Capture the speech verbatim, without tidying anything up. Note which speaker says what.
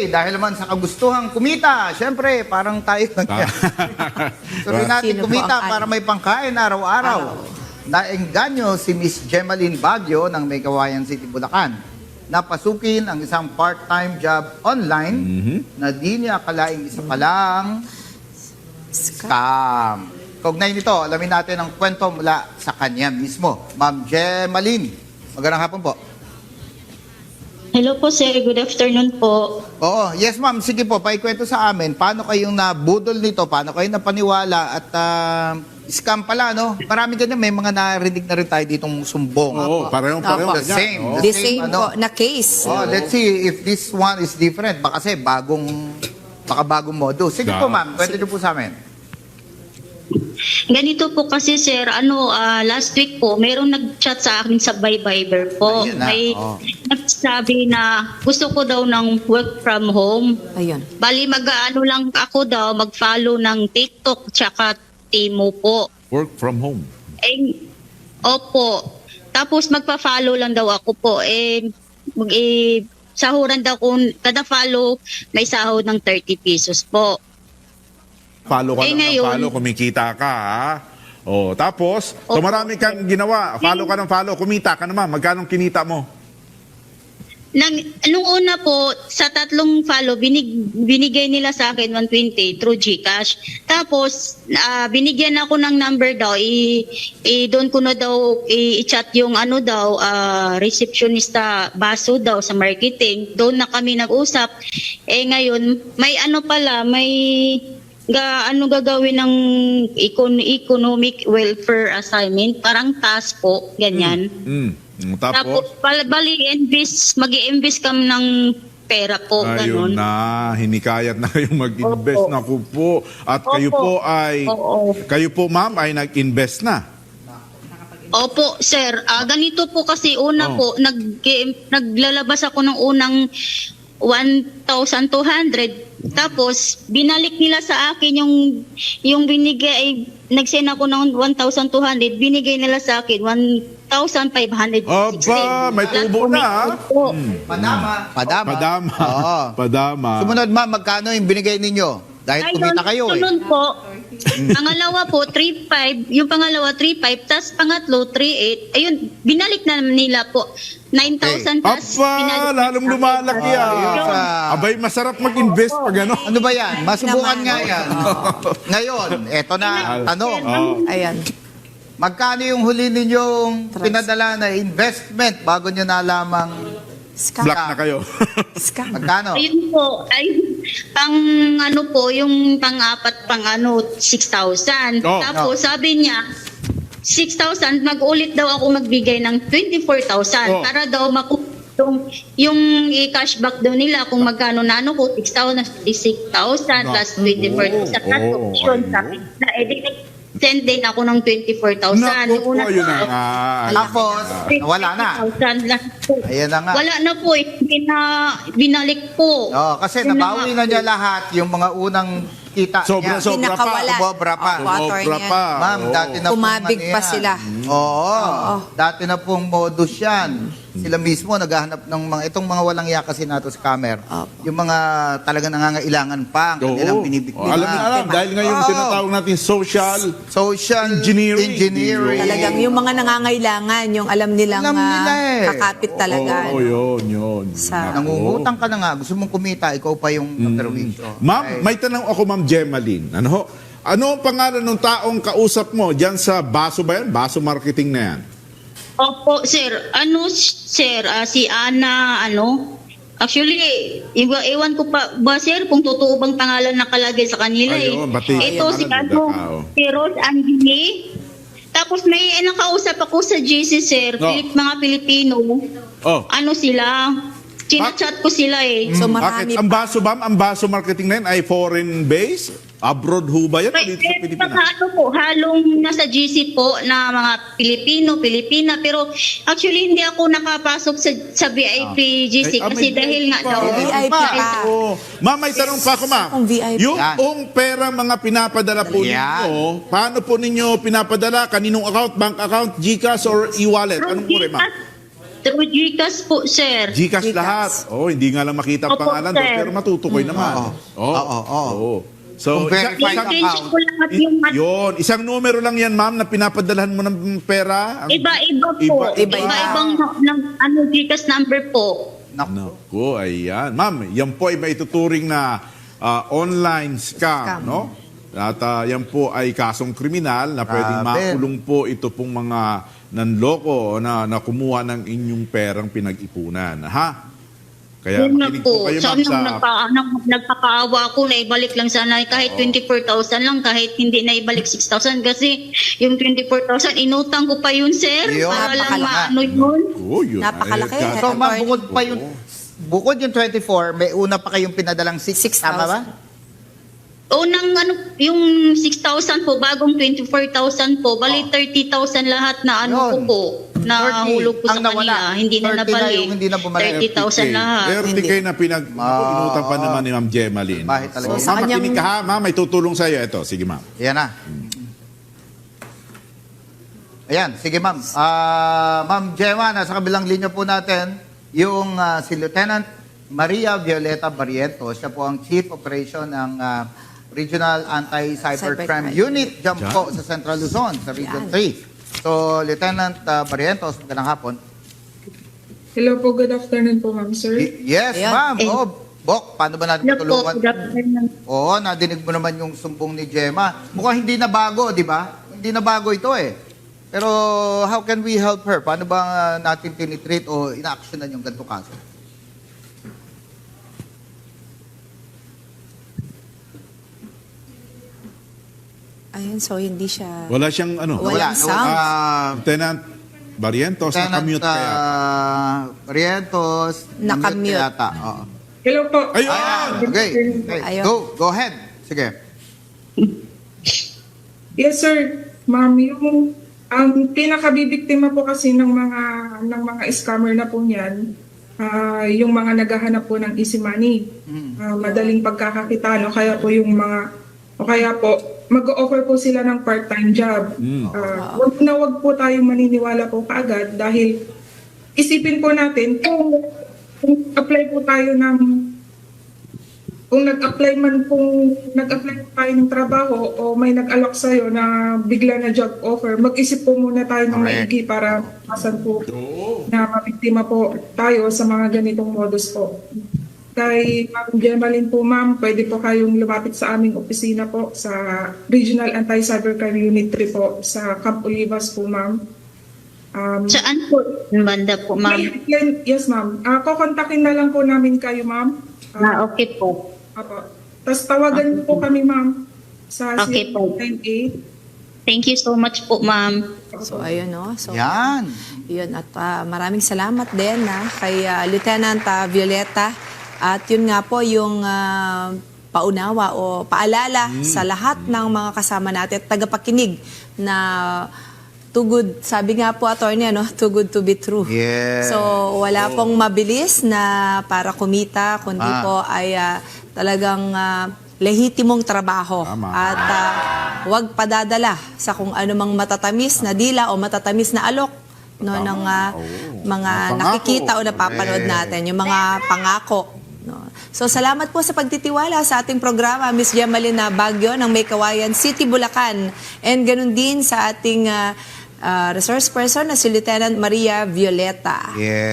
Speaker 1: Okay, dahil naman sa kagustuhang kumita, syempre, parang tayo lang yan. Tuloy natin
Speaker 2: Sino po
Speaker 1: kumita
Speaker 2: ang
Speaker 1: para may pangkain araw-araw. Naengganyo si Miss Gemaline Baguio ng May Kawayan City, Bulacan. Napasukin ang isang part-time job online na di niya akalaing isa palang scam. Kaugnay nito, alamin natin ang kwento mula sa kanya mismo. Ma'am Gemaline, magandang hapon po.
Speaker 3: Hello po sir, good afternoon po.
Speaker 1: Oo, yes ma'am, sige po, paikwento sa amin, paano kayong nabudol nito, paano kayo napaniwala at uh, scam pala, no? Marami ganyan, may mga narinig na rin tayo ditong sumbong.
Speaker 4: Oo, pareho-pareho.
Speaker 1: The same,
Speaker 4: Oo.
Speaker 1: the
Speaker 2: The
Speaker 1: same,
Speaker 2: same
Speaker 1: ano.
Speaker 2: po na case.
Speaker 1: Oh, let's see if this one is different. Baka kasi bagong, baka bagong modo. Sige po ma'am, kwento niyo po sa amin.
Speaker 3: Ganito po kasi sir, ano, ah, last week po, mayroong nag-chat sa akin sa Viber po.
Speaker 1: Ayun na,
Speaker 3: May
Speaker 1: oh.
Speaker 3: nagsabi na gusto ko daw ng work from home.
Speaker 2: Ayun.
Speaker 3: Bali mag-ano lang ako daw, mag-follow ng TikTok tsaka Timo po.
Speaker 4: Work from home.
Speaker 3: Eh, opo. Tapos magpa-follow lang daw ako po. Eh, mag, eh sahuran daw kung kada follow may sahod ng thirty pesos po.
Speaker 4: Follow ka
Speaker 3: Eh,
Speaker 4: lang ng
Speaker 3: ngayon-
Speaker 4: follow, kumikita ka, ha? O, tapos, so
Speaker 3: Opo.
Speaker 4: marami kang ginawa. Follow ka ng follow, kumita ka naman. Magkano kinita mo?
Speaker 3: Nang, nung una po, sa tatlong follow, binig, binigay nila sa akin one twenty through GCash. Tapos, ah, binigyan ako ng number daw. I, i, doon ko na daw i- i-chat yung ano daw, ah, receptionista baso daw sa marketing. Doon na kami nag-usap. Eh ngayon, may ano pala, may ga, ano gagawin ng econ, economic welfare assignment. Parang task po, ganyan.
Speaker 4: Mm. Mm,
Speaker 3: Tapos,
Speaker 4: Tapos,
Speaker 3: bal- bali, invest, mag-i-invest kami ng pera po,
Speaker 4: ayun
Speaker 3: ganun.
Speaker 4: na, hinikayat na kayong mag-invest.
Speaker 3: Opo.
Speaker 4: Naku po. At kayo
Speaker 3: Opo.
Speaker 4: po ay,
Speaker 3: Oo.
Speaker 4: kayo po ma'am ay nag-invest na.
Speaker 3: Opo, sir. Ah, ganito po kasi una
Speaker 4: Oh.
Speaker 3: po, nag, naglalabas ako ng unang one thousand two hundred. Tapos, binalik nila sa akin yung, yung binigay, nag-send ako ng one thousand two hundred, binigay nila sa akin one thousand five hundred sixty.
Speaker 4: Aba, may tubo na, ha?
Speaker 3: Po.
Speaker 1: Padama. Padama.
Speaker 4: Padama.
Speaker 1: Oo.
Speaker 4: Padama.
Speaker 1: Sumunod ma'am, magkano yung binigay ninyo? Dahil
Speaker 3: Ayun,
Speaker 1: kumita kayo eh.
Speaker 3: sunod po, pangalawa po, three five, yung pangalawa, three five, tas pangatlo, three eight. Ayun, binalik na nila po. nine thousand tas
Speaker 4: Aba,
Speaker 3: binalik
Speaker 4: lalong
Speaker 3: sa akin.
Speaker 4: lumalaki, ah.
Speaker 1: Ayun, ah.
Speaker 4: Abay, masarap mag-invest pag ano.
Speaker 1: Ano ba yan? Masubukan
Speaker 2: Naman.
Speaker 1: nga yan. Ngayon, eto na ang tanong.
Speaker 4: Oh.
Speaker 2: Ayan.
Speaker 1: Magkano yung huli ninyong
Speaker 2: Trans-
Speaker 1: pinadala na investment bago nyo nalamang
Speaker 2: Scam.
Speaker 4: Black na kayo.
Speaker 2: Scam.
Speaker 1: magkano?
Speaker 3: Ayun po, ay pang ano po, yung pang-apat, pang ano, six thousand.
Speaker 4: Oh,
Speaker 3: Tapos sabi niya, six thousand, mag-ulit daw ako magbigay ng twenty-four thousand
Speaker 4: Oh.
Speaker 3: para daw makuha yung, yung i-cashback daw nila kung magkano na ano ko, six thousand, six thousand plus twenty-four thousand.
Speaker 4: Oh,
Speaker 3: Tapos
Speaker 4: oh,
Speaker 3: yun,
Speaker 4: ayun.
Speaker 3: sabi na, eh, send din ako ng twenty-four thousand.
Speaker 4: Naku po,
Speaker 3: Yung una
Speaker 4: ayun na
Speaker 3: po,
Speaker 4: nga.
Speaker 1: Tapos, wala na.
Speaker 3: twenty thousand lang po.
Speaker 1: Ayan na nga.
Speaker 3: Wala na po eh. Bina, binalik po.
Speaker 1: Oh, kasi
Speaker 3: Yun
Speaker 1: nabawi
Speaker 3: nga
Speaker 1: na
Speaker 3: po.
Speaker 1: niya lahat yung mga unang kita
Speaker 4: Sobra,
Speaker 1: niya.
Speaker 4: sobra pa.
Speaker 2: Pinakawala.
Speaker 1: Sobra pa.
Speaker 2: Opo,
Speaker 4: Sobra
Speaker 2: attorney.
Speaker 4: pa.
Speaker 1: Ma'am,
Speaker 4: Oo.
Speaker 1: dati na pong
Speaker 2: Kumabig
Speaker 1: ano
Speaker 2: pa
Speaker 1: yan.
Speaker 2: sila.
Speaker 1: Oo.
Speaker 2: Oo.
Speaker 1: Dati na pong modus yan. Sila mismo naghahanap ng mga, itong mga walang iya kasi nato scammer.
Speaker 2: Opo.
Speaker 1: Yung mga talagang nangangailangan pa ang
Speaker 4: Oo.
Speaker 1: kanilang binibigyan.
Speaker 4: Oh, alam na alam, dahil ngayon
Speaker 1: Oo.
Speaker 4: tinatawag natin social
Speaker 1: Social
Speaker 4: Engineering.
Speaker 1: engineering.
Speaker 2: Talagang yung mga nangangailangan, yung alam nilang
Speaker 1: Alam nila
Speaker 2: ah,
Speaker 1: eh.
Speaker 2: kakapit talaga.
Speaker 4: Oo, yun, yun.
Speaker 2: Sa-
Speaker 1: Nangungutang ka na nga, gusto mong kumita, ikaw pa yung naperwisyo.
Speaker 4: Ma'am, may tanong ako, Ma'am Gemaline. Ano ho? Ano ang pangalan ng taong kausap mo diyan sa Baso ba yan? Baso Marketing na yan.
Speaker 3: Opo, sir. Ano, sir? ah, si Ana, ano? Actually, iwa, ewan ko pa ba, sir, kung totoo bang pangalan nakalagay sa kanila eh.
Speaker 4: Ayun, bati.
Speaker 3: Ito si
Speaker 4: Ayun,
Speaker 3: ano,
Speaker 4: tao.
Speaker 3: si Rose Angeli. Tapos may eh, nakausap ako sa G C, sir.
Speaker 4: Oh.
Speaker 3: Pilip, mga Pilipino.
Speaker 4: Oh.
Speaker 3: Ano sila? Chinachat ko sila eh.
Speaker 2: So
Speaker 4: Bakit?
Speaker 2: marami
Speaker 4: Ang Baso ba? Ang Baso Marketing na yan ay foreign base? Abroad ho ba yan? O
Speaker 3: May,
Speaker 4: dito sa
Speaker 3: eh,
Speaker 4: Pilipinas?
Speaker 3: mga ano po, halong nasa G C po na mga Pilipino, Pilipina. Pero actually hindi ako nakapasok sa, sa V I P G C
Speaker 4: Ay, ah,
Speaker 3: kasi
Speaker 4: may
Speaker 3: dahil nga
Speaker 4: pa.
Speaker 3: daw.
Speaker 2: V I P pa.
Speaker 4: Oo. Ma'am, may tanong pa ako, ma'am.
Speaker 2: Kung V I P.
Speaker 4: Yung
Speaker 1: Yan.
Speaker 4: ong pera mga pinapadala po
Speaker 1: Yan.
Speaker 4: ninyo, paano po ninyo pinapadala? Kaninong account? Bank account, GCash, or e-wallet? Anong po rin, ma'am?
Speaker 3: Through GCash po, sir.
Speaker 4: Gcash
Speaker 2: Gcash.
Speaker 4: lahat. Oh, hindi nga lang makita ang
Speaker 3: Opo,
Speaker 4: pangalan doon,
Speaker 3: sir.
Speaker 4: pero matutukoy naman.
Speaker 1: Oo.
Speaker 4: Oh.
Speaker 1: Oo, oo.
Speaker 4: Oo. So,
Speaker 1: Kung
Speaker 4: isa-
Speaker 1: verified
Speaker 4: isang-
Speaker 3: I-screenshot ko lahat yung mat-
Speaker 4: yun, isang numero lang yan, ma'am, na pinapadalhan mo ng pera. Ang-
Speaker 3: Iba-iba po.
Speaker 4: Iba-
Speaker 2: iba.
Speaker 3: Iba-ibang ng, ano, GCash number po.
Speaker 1: Naku.
Speaker 4: Naku, ayan. Ma'am, yan po ay maituturing na ah, online scam,
Speaker 2: Scam.
Speaker 4: no? At ah, yan po ay kasong kriminal na pwedeng
Speaker 1: Grabe.
Speaker 4: makulong po ito pong mga nanloko na, na kumuha ng inyong perang pinag-ipunan. Ha? Kaya
Speaker 3: Yun na
Speaker 4: makinig po
Speaker 3: po.
Speaker 4: kayo,
Speaker 3: Sana
Speaker 4: ma'am, sa...
Speaker 3: nagpa, nag, nagpapaawa ako na ibalik lang sana kahit twenty-four thousand lang, kahit hindi na ibalik six thousand kasi yung twenty-four thousand inutang ko pa yun, sir.
Speaker 1: Yun,
Speaker 3: para lang
Speaker 2: napakalaki.
Speaker 3: maano yun.
Speaker 4: Oh, yun.
Speaker 2: Napakalaki.
Speaker 4: Ay,
Speaker 1: So,
Speaker 4: kas-
Speaker 1: ma'am, bukod pa yung, bukod yung twenty-four, may una pa kayong pinadalang six,
Speaker 2: six
Speaker 1: tama ba?
Speaker 2: thousand.
Speaker 3: Unang ano, yung six thousand po, bagong twenty-four thousand po, bali thirty thousand lahat na ano ko
Speaker 1: Yun.
Speaker 3: po, na
Speaker 1: thirty
Speaker 3: hulog ko sa
Speaker 1: ang nawala.
Speaker 3: kanila. Hindi na
Speaker 1: thirty na
Speaker 3: nabalik.
Speaker 1: yung hindi na bumalik.
Speaker 3: thirty thousand lahat.
Speaker 4: thirty K na pinag...
Speaker 1: Ah,
Speaker 4: inutang pa naman ni Ma'am Gemaline.
Speaker 1: Bahit talaga.
Speaker 4: So,
Speaker 2: So, sa
Speaker 4: ma'am,
Speaker 2: kanyang-
Speaker 4: makinig ka ha, ma'am, may tutulong sa'yo. Ito, sige ma'am.
Speaker 1: Yan na. Ayan, sige ma'am. Ah, ma'am Gemma, nasa kabilang linya po natin, yung ah, si Lieutenant Maria Violeta Barrientos, siya po ang Chief Operation ng ah, Regional Anti-Cybercrime
Speaker 2: Cybercrime.
Speaker 1: Unit dyan
Speaker 4: Diyan.
Speaker 1: po sa Central Luzon, sa Region
Speaker 2: Yan.
Speaker 1: three. So, Lieutenant ah, Barrientos, magandang hapon.
Speaker 5: Hello po, good afternoon po, ma'am, sir.
Speaker 1: Y- yes,
Speaker 2: Ayan.
Speaker 1: ma'am.
Speaker 3: Eh.
Speaker 1: Oh, Bok, paano ba natin
Speaker 3: Ano po,
Speaker 1: matulungan?
Speaker 3: good afternoon.
Speaker 1: Oo, nadinig mo naman yung sumbong ni Gemma. Mukhang hindi na bago, di ba? Hindi na bago ito eh. Pero how can we help her? Paano ba uh, natin tinitreat o ina-actionan yung ganito kaso?
Speaker 2: Ayun, so hindi siya...
Speaker 4: Wala siyang ano?
Speaker 2: Walang sound.
Speaker 1: Ah,
Speaker 4: Lieutenant Barrientos,
Speaker 1: Lieutenant
Speaker 4: nakamute kaya.
Speaker 1: ah, Barrientos,
Speaker 2: Nakamute.
Speaker 1: yata. Oo.
Speaker 5: Hello po.
Speaker 4: Ayun!
Speaker 1: Ayan, okay. okay.
Speaker 2: Ayun.
Speaker 1: Go, go ahead. Sige.
Speaker 5: Yes, sir. Ma'am, yung ang pinakabibiktima po kasi ng mga ng mga scammer na po niyan, ah, yung mga naghahanap po ng easy money. Ah, madaling pagkakakita, no? Kaya po yung mga o kaya po mag-offer po sila ng part-time job. Ah, wag na wag po tayong maniniwala po kaagad dahil isipin po natin kung, kung apply po tayo ng kung nag-apply man kung nag-apply po tayo ng trabaho o may nag-alok sa'yo na bigla na job offer, mag-isip po muna tayo ng
Speaker 1: Correct.
Speaker 5: maigi para masan po na mabiktima po tayo sa mga ganitong modus po. Kay Ma'am Gemaline po, ma'am, pwede po kayong lumapit sa aming opisina po sa Regional Anti-Cybercrime Unit three po sa Camp Olivas po, ma'am. Um,
Speaker 3: Saan po? Banda po,
Speaker 5: may
Speaker 3: ma'am.
Speaker 5: hotline- yes, ma'am. Uh, kukontakin na lang po namin kayo, ma'am.
Speaker 3: Ah, okay po.
Speaker 5: Apo. Tapos tawagan po kami, ma'am, sa
Speaker 3: Okay po.
Speaker 5: zero nine eight.
Speaker 3: Thank you so much po, ma'am.
Speaker 2: So, ayun, no? So,
Speaker 1: Yan.
Speaker 2: yun. At ah, maraming salamat din na kay ah, Lieutenant ah, Violeta. At yun nga po yung ah, paunawa o paalala sa lahat ng mga kasama natin at tagapakinig na too good, sabi nga po attorney, ano, too good to be true.
Speaker 1: Yes.
Speaker 2: So, wala pong mabilis na para kumita, kundi
Speaker 1: Ah.
Speaker 2: po ay ah, talagang ah, lehitimong trabaho.
Speaker 4: Tama.
Speaker 2: At ah, huwag padadala sa kung ano mang matatamis na dila o matatamis na alok no, ng ah,
Speaker 4: Oo.
Speaker 2: mga
Speaker 4: Mga pangako.
Speaker 2: nakikita o napapanood
Speaker 1: Correct.
Speaker 2: natin, yung mga pangako. No. So, salamat po sa pagtitiwala sa ating programa, Miss Gemaline Baguio ng May Kawayan City, Bulacan. And ganun din sa ating ah, ah, resource person na si Lieutenant Maria Violeta.
Speaker 1: Yeah.